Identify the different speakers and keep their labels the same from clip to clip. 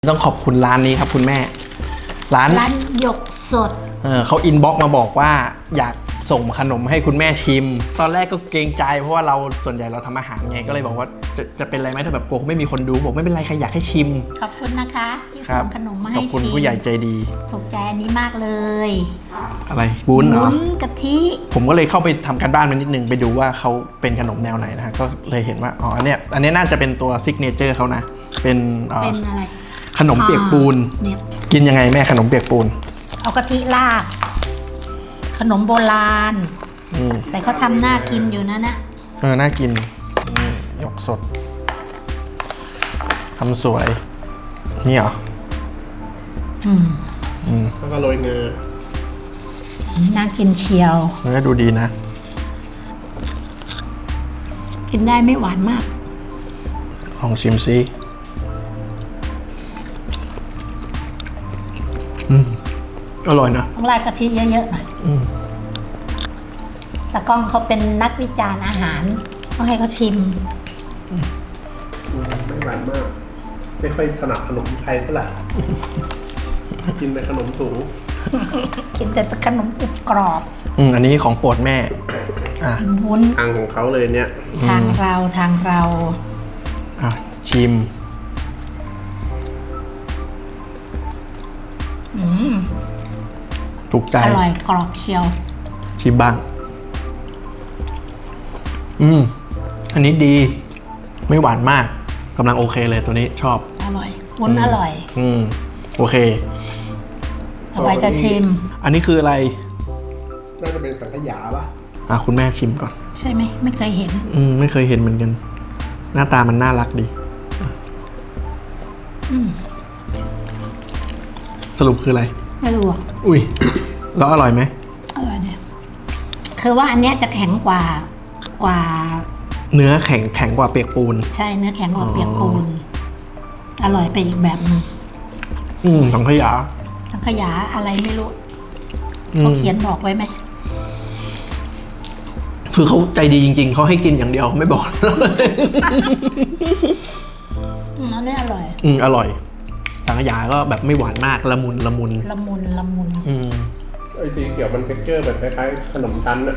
Speaker 1: ต้องขอบคุณร้านนี้ครับคุณแม่ร้าน
Speaker 2: หยกสด
Speaker 1: เขาอินบ็อกมาบอกว่าอยากส่งขนมให้คุณแม่ชิมตอนแรกก็เกรงใจเพราะว่าเราส่วนใหญ่เราทำอาหารไงก็เลยบอกว่าจะเป็นไรไหมถ้าแบบกลัวไม่มีคนดูบอกไม่เป็นไรใครอยากให้ชิม
Speaker 2: ขอบคุณนะคะที่ส่งขนมมาให้ชิม
Speaker 1: ขอบคุณผู้ใหญ่ใจดี
Speaker 2: ถูกใจอันนี้มากเลย
Speaker 1: อะไรวุ้นเหรอ
Speaker 2: วุ้นกะทิ
Speaker 1: ผมก็เลยเข้าไปทำการบ้านมานิดนึงไปดูว่าเขาเป็นขนมแนวไหนนะก็เลยเห็นว่าอ๋ออันเนี้ยน่าจะเป็นตัวซิกเนเจอร์เขานะเป็น
Speaker 2: อะไร
Speaker 1: ขนมเปียกปูนกินยังไงแม่ขนมเปียกปูน
Speaker 2: เอากะทิราดขนมโบราณแต่เขาทำน่ากินอยู่นะ
Speaker 1: น่ากินหยกสดทำสวยนี่เหรอแล้วก็โรยเงา
Speaker 2: น่ากินเชียว
Speaker 1: มันก็ดูดีนะ
Speaker 2: กินได้ไม่หวานมาก
Speaker 1: ลองชิมซิอร่อยนะ
Speaker 2: ต้องราดกะทิเยอะๆหน่อยแต่กล้องเขาเป็นนักวิจารณ์อาหารต้องให้เขาชิม
Speaker 3: ไม่หวานมากไม่ค่อยถนัดขนมไทยเท่าไหร่กินแต่ขนมสูง
Speaker 2: กินแต่ขนมกรุบกรอบ
Speaker 1: อันนี้ของโปรดแม่
Speaker 2: วุ้น
Speaker 3: ทางของเขาเลยเนี่ย
Speaker 2: ทางเรา
Speaker 1: ชิมถูกใจ
Speaker 2: อร่อยกรอบเชียว
Speaker 1: ชิมบ้างอันนี้ดีไม่หวานมากกำลังโอเคเลยตัวนี้ชอบ
Speaker 2: อร่อยวุ้นอร่อย
Speaker 1: โอเค
Speaker 2: ต่อไปจะชิม
Speaker 1: อันนี้คืออะไร
Speaker 3: น่าจะเป็นสังขยาป่ะ
Speaker 1: คุณแม่ชิมก่อน
Speaker 2: ใช่ไหมไม่เคยเห็น
Speaker 1: ไม่เคยเห็นเหมือนกันหน้าตามันน่ารักดีสรุปคืออะไร
Speaker 2: ไม่รู้
Speaker 1: อุ้ยแล้วอร่อยไหม
Speaker 2: อร่อยเนี่ยคือว่าอันเนี้ยจะแข็งกว่า
Speaker 1: เนื้อแข็งกว่าเปียกปูน
Speaker 2: ใช่เนื้อแข็งกว่าเปียกปูนอร่อยไปอีกแบบนึง
Speaker 1: สังขย
Speaker 2: าอะไรไม่รู้เขาเขียนบอกไว้ไหม
Speaker 1: คือเขาใจดีจริงๆเขาให้กินอย่างเดียวไม่บอก
Speaker 2: อันนี้อร่อย
Speaker 1: อร่อยสังขยาก็แบบไม่หวานมากละมุน
Speaker 3: ไอ้สีเขียวมันเท็กเจอร์แบบคล้ายๆขนมชั้นอะ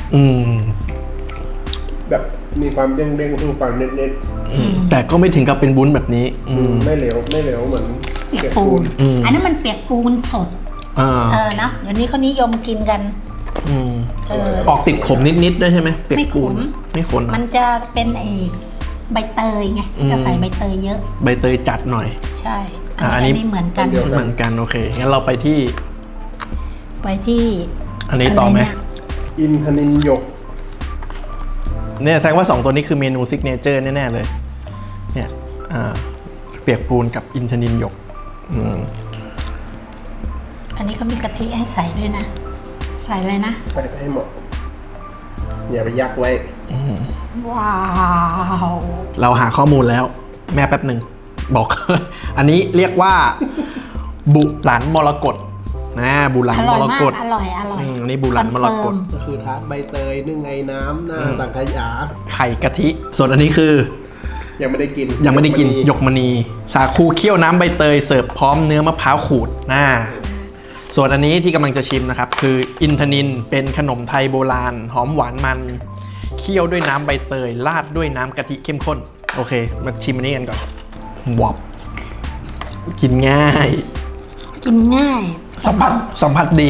Speaker 3: แบบมีความเด้งๆคือความเน็ต
Speaker 1: ๆแต่ก็ไม่ถึงกับเป็นวุ้นแบบนี้
Speaker 3: ไม่เหลวเหมือน
Speaker 2: เปียกปูนอันนั้นมันเปียกปูนสดนะเดี๋ยวนี้เขานิยมกินกัน
Speaker 1: ออกติดขมนิดๆด้วยใช่ไหมเปียกปูนไม่ขม
Speaker 2: มันจะเป็นใบเตยไงจะใส่ใบเตยเยอะ
Speaker 1: ใบเตยจัดหน่อย
Speaker 2: ใช่อันนี้เหมือน
Speaker 1: กันโอเคงั้นเราไปที่อันนี้ต่อไหม
Speaker 3: อินทนินหยก
Speaker 1: เนี่ยแสดงว่า2ตัวนี้คือเมนูซิกเนเจอร์แน่ๆเลยเนี่ยเปียกปูนกับอินทนินหยก
Speaker 2: อันนี้เขามีกะทิให้ใส่ด้วยนะใส่อะไรนะ
Speaker 3: ใส่ให้หมดอย่าไปยักไว้
Speaker 2: ว้าว
Speaker 1: เราหาข้อมูลแล้วแม่แป๊บหนึ่งบอก อันนี้เรียกว่าบุหลันมรกตบุหลันมรกต
Speaker 2: อร่อย
Speaker 1: อันนี้บุหลันมรกต
Speaker 3: ก็คือทาร์ตใบเตยนึ่งไอ้น้ำหน้าสังขยา
Speaker 1: ไข่กะทิส่วนอันนี้คือ
Speaker 3: ยังไม่ได้กิน
Speaker 1: หยกมณีสาคูเคี่ยวน้ำใบเตยเสิร์ฟพร้อมเนื้อมะพร้าวขูดส่วนอันนี้ที่กำลังจะชิมนะครับคืออินทนินเป็นขนมไทยโบราณหอมหวานมันเคี่ยวด้วยน้ำใบเตยราดด้วยน้ำกะทิเข้มข้นโอเคมาชิมอันนี้กันก่อนวับกินง่ายสัมผัสดี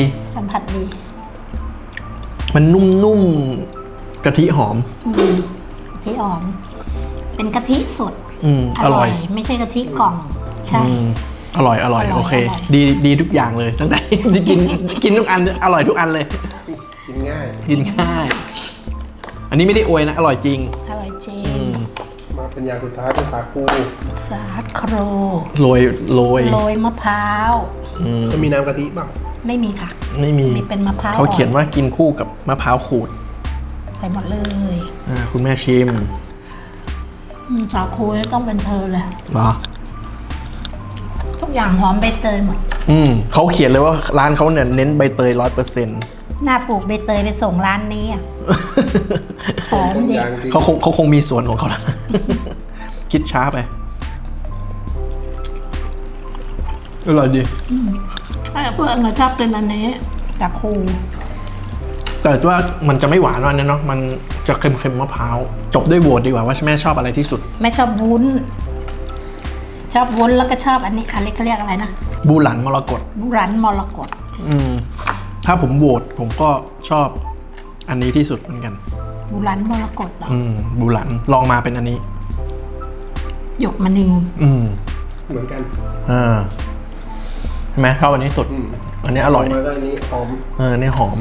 Speaker 1: มันนุ่มๆกะทิหอม
Speaker 2: เป็นกะทิสด
Speaker 1: อร่อย
Speaker 2: ไม่ใช่กะทิกล่องใช่
Speaker 1: อร่อยโอเคดีทุกอย่างเลยตั้งแต่ที่กินทุกอันอร่อยทุกอันเลย
Speaker 3: กินง่
Speaker 1: ายอันนี้ไม่ได้อวยนะอร่อยจริง
Speaker 3: มาเป็นอย่างสุดท้ายเป็นสาคู
Speaker 1: โรย
Speaker 2: มะพร้าว
Speaker 3: จะมีน้ำกะทิบ้าง
Speaker 2: ไม่มีค่ะ
Speaker 1: ไม่มี
Speaker 2: เป็นมะพร้าว
Speaker 1: เขาเขียนว่ากินคู่กับมะพร้าวขูด
Speaker 2: ใส่หมดเลย
Speaker 1: คุณแม่ชิม
Speaker 2: สาคูต้องเป็นเธอเลย
Speaker 1: เหรอ
Speaker 2: ทุกอย่างหอมใบเตยหมด
Speaker 1: เขาเขียนเลยว่าร้านเขาเนี่ยเน้นใบเตย 100%
Speaker 2: หน้าปลูกใบเตยไปส่งร้านนี้หอมดี
Speaker 1: เขาคงมีสวนของเขาคิดช้าไปอร่อยดี
Speaker 2: ถ้าเพื่อนชอบกินอันนี้แต่ครู
Speaker 1: แต่ว่ามันจะไม่หวานวันนี้เนาะมันจะเค็มๆมะพร้าวจบด้วยโหวตดีกว่าว่าแม่ชอบอะไรที่สุด
Speaker 2: ไม่ชอบวุ้น ชอบวุ้นแล้วก็ชอบอันนี้อะไรเขาเรียกอะไรนะ
Speaker 1: บูหลันมรกต
Speaker 2: บุรันมรกต
Speaker 1: ถ้าผมโหวตผมก็ชอบอันนี้ที่สุดเหมือนกัน
Speaker 2: บุรันมรกตเหรอ
Speaker 1: บูหลันลองมาเป็นอันนี้
Speaker 2: หยกมณี
Speaker 3: เหมือนกัน
Speaker 1: ใช่ไหมชอบอันนี้สุด อันนี้อร่อย
Speaker 3: แล้วก็อันนี้หอม
Speaker 1: อันนี้หอม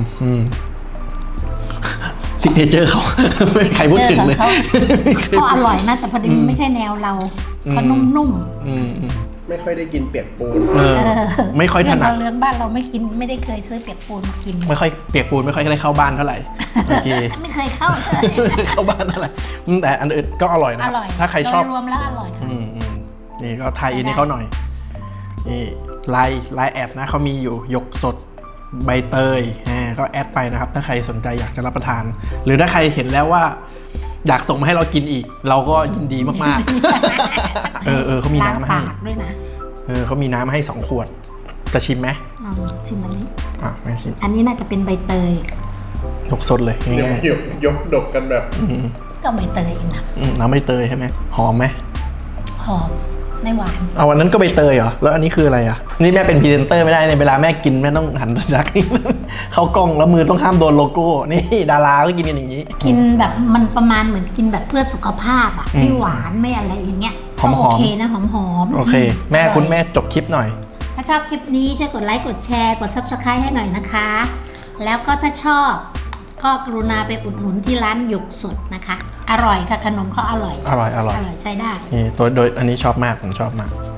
Speaker 1: ซิกเนเจอร์เขา ไม่มีใครพูดถึงเลย
Speaker 2: ก็อร่อยนะแต่พอดีมันไม่ใช่แนวเราเขานุ่ม
Speaker 3: ไม่ค่อยได้กินเปียกปูน
Speaker 2: ๆ
Speaker 1: ไม่ค่อยถนัด
Speaker 2: เรื่องบ้านเราไม่กินไม่ได้เคยซื้อเปียกปูนมากิน
Speaker 1: ไม่ค่อยเปียกปูนไม่ค่อยได้เข้าบ้านเท่าไหร่โอเค
Speaker 2: ไม่เคยเข้าเลย
Speaker 1: เข้าบ้านเท่าไหร่แต่อันอื่นก็อร่อยนะ
Speaker 2: อร่อย
Speaker 1: ถ้าใครชอบ
Speaker 2: โดยรวมแล้วอร่อยค่ะ
Speaker 1: นี่ก็ไทยอินให้เขาหน่อยนี่ไลน์แอดนะเขามีอยู่หยกสดใบเตยก็แอดไปนะครับถ้าใครสนใจอยากจะรับประทาน หรือถ้าใครเห็นแล้วว่า อยากส่งมาให้เรากินอีก เราก็ยินดีมากๆ เขามี
Speaker 2: ล้าง
Speaker 1: น้ำมา
Speaker 2: ปา
Speaker 1: ให้
Speaker 2: กด้วยนะ
Speaker 1: เขามีน้ำมาให้2 ขวด จะชิมไหม
Speaker 2: ชิมอันนี้
Speaker 1: ไม่ชิม
Speaker 2: อันนี้น่าจะเป็นใบเตย
Speaker 1: ยกสดเลยง่าย
Speaker 3: ยกดกกันแบบ
Speaker 2: ก็ใบเตยเองนะ
Speaker 1: น้ำใบเตยใช่ไหมหอมไหม
Speaker 2: หอมไม่หวาน
Speaker 1: เอาวันนั้นก็ใบเตยเหรอแล้วอันนี้คืออะไรอ่ะนี่แม่เป็นพรีเซนเตอร์ไม่ได้ในเวลาแม่กินแม่ต้องหันยัก เข้ากล้องแล้วมือต้องห้ามโดนโลโก้นี่ดาราก็กินกันอย่างนี้
Speaker 2: กินแบบมันประมาณเหมือนกินแบบเพื่อสุขภาพอ่ะไม่หวานไม่อะไรอย่างเงี้ย
Speaker 1: หอมๆ
Speaker 2: ก็โอเคนะหอมๆ
Speaker 1: โอเค แม่
Speaker 2: อร่อย
Speaker 1: คุณแม่จบคลิปหน่อย
Speaker 2: ถ้าชอบคลิปนี้ช่วยกดไลค์กดแชร์กด Subscribe ให้หน่อยนะคะ แล้วก็ถ้าชอบก็กรุณาไปอุดหนุนที่ร้านหยกสดนะคะ อร่อยค่ะขนมเขาอร่อย
Speaker 1: อร่อย
Speaker 2: ใช้ได้
Speaker 1: นี่โดยอันนี้ชอบมากผมชอบมาก